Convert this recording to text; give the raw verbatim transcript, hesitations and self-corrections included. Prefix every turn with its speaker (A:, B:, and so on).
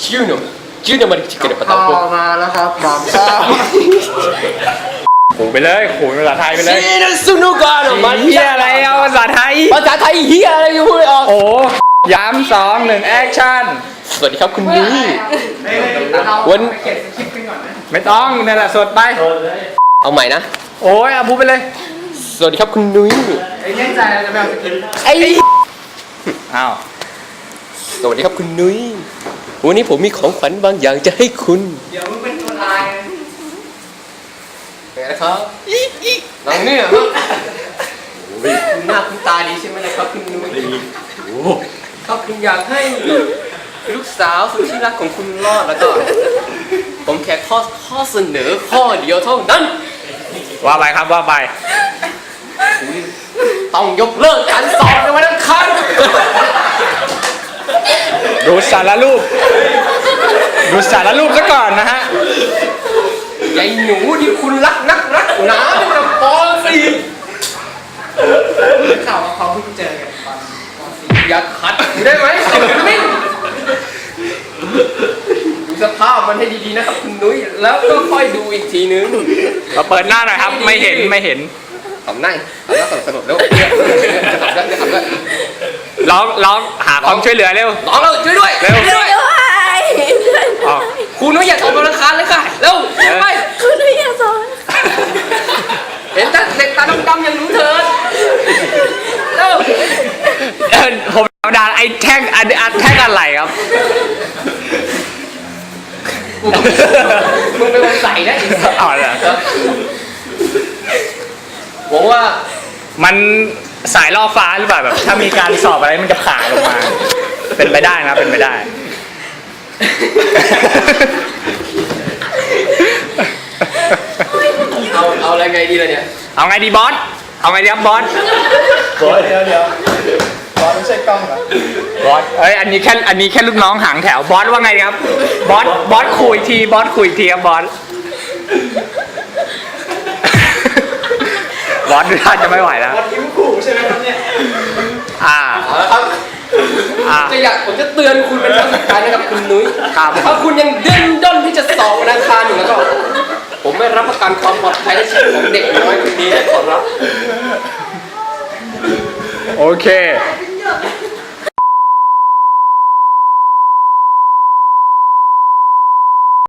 A: ชื่อหนุ่มชื่อหนุ่มมันจะเกิดอะไร
B: ต่อมาแล้วครับบางซ่า
C: ขู่ไปเลยขู่ภาษาไทยไปเลย
A: ซีนัสุนุกาโนมัน
C: เฮียอะไรเอาภาษาไทย
A: ภาษาไทยเฮียอะไรอยู่พูดไม่ออก
C: โอ้ย้ำสองหนึ่งแอคชั่น
A: สวัสดีครับคุณนุ้ย
B: วันเก็บคลิปกันก่อนนะ
C: ไม่ต้องนั่นแหละสดไป
A: เอาใหม่นะ
C: โอ้ยเอาพูดไปเลย
A: สวัสดีครับคุณนุ้ย
B: ไอ้แน่ใจเราจะไม่เอาสคริปต์
A: ไอ้
C: อ้าว
A: สวัสดีครับคุณนุ้ยวันนี้ผมมีของขวัญบางอย่างจะให้คุณ
B: เดี๋ยวมึงเป็นตัวลาย
A: เป็นไงนะครับน้องเนี่ยครับคุณหน้าคุณตาดีใช่ไหมนะครับคุณนุ้ยครับคุณอยากให้ลูกสาวสุดที่รักของคุณรอดแล้วก็ ผมแค่ข้อข้อเสนอข้อเดียวเท่านั้น
C: ว่าไปครับว่าไป
A: ต้องยกเลิกการสอบในวันอังคาร
C: ดูสารรูปดูสารรูปซะก่อนนะฮะ
A: ยายหนูที่คุณรักนักรักหนาเป็นปอสี่
B: ข่าวว่าเขาเพิ่งเจอกันตอนตอนสี่
A: อย่าขัดได้ไหมนิ่งดูสภาพมันให้ดีๆนะครับคุณนุ้ยแล้วก็ค่อยดูอีกทีนึง
C: เราเปิดหน้าหน่อยครับ ไม่เห็นไม่เห็น
A: ทำหน้าทำหน้าสนุกๆแล้วจะขับได้จะขับได้
C: ร้องร้องหาความช่วยเหลือเร็ว
A: น้องเราช่วยด้วย
C: เร็ว
A: ช่วยด้วย
C: ออก
A: คุณนุ้ยอย่าตกวันอังคารเลยค่ะเร็วไป
D: คุณนุ้ยอย่าสอน
A: เห็นแต่เด็กตาดำๆอย่างหนูเถิดเร็ว
C: เออผมธรรมดาไอ้แท่งอันอันแท่งอะไรครับ
A: มึงเป็นคนใส่นะอีก
C: อ๋อเหรอ
A: หวังว่า
C: มันสายล่อฟ้าหรือเปล่าแบบ ถ้ามีการสอบอะไรมันจะผ่าลงมา เป็นไปได้นะเป็นไปได้
A: เอาเอาอะไรไงดีล่ะเนี่ย
C: เอาไงดีบอส เอาไงดีครับบอส
B: บอสเดี๋ยวเดี๋ยวบอสไม่ใช่กล้องเหรอบ
C: อส เอ้ยอันนี้แค่อันนี้แค่ลูกน้องหางแถวบอสว่าไงครับ บอสบอสคุยทีบอสคุยทีครับบอส บอสดูท่าจะไม่ไหวแล้ว
B: บอสยิ้มขู่ใช่ไหมครับเนี่ย
C: อ่า
A: เอาละครับ
C: อ่า
A: จะอยากผมจะเตือนคุณเป็นครั้งสุดท้ายนะครับคุณนุ้ย
C: ครับ
A: ถ้าคุณยังดิ้นด้นที่จะสอบวันอังคารอยู่แล้วก็ ผมไม่รับประกันความปลอดภัยและชีวิตของเด็กน้อยคนนี้ขอรับ
C: โอเค